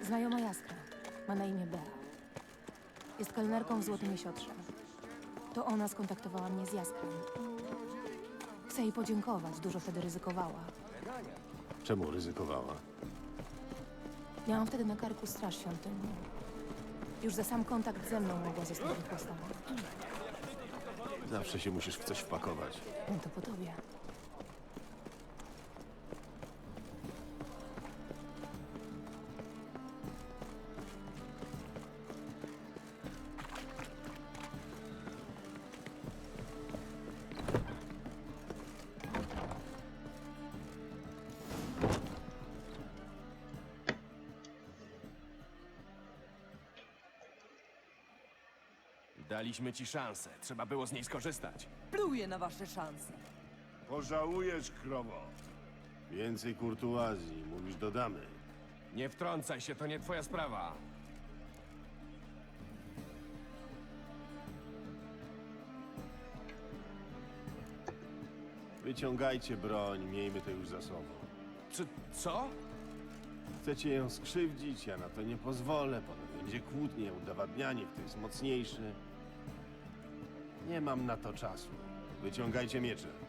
Znajoma Jaskra. Ma na imię Bea. Jest kelnerką w Złotym Jesiotrze. To ona skontaktowała mnie z Jaskrem. Chcę jej podziękować, dużo wtedy ryzykowała. Czemu ryzykowała? Miałam wtedy na karku straż świątynną. Już za sam kontakt ze mną mogła zostać wychłostana. Zawsze się musisz w coś wpakować. No to po tobie. Daliśmy ci szansę. Trzeba było z niej skorzystać. Pluję na wasze szanse. Pożałujesz, krowo. Więcej kurtuazji, mówisz, dodamy. Nie wtrącaj się, to nie twoja sprawa. Wyciągajcie broń, miejmy to już za sobą. Czy co? Chcecie ją skrzywdzić, ja na to nie pozwolę. Potem będzie kłótnie, udowadnianie, kto jest mocniejszy. Nie mam na to czasu. Wyciągajcie miecze.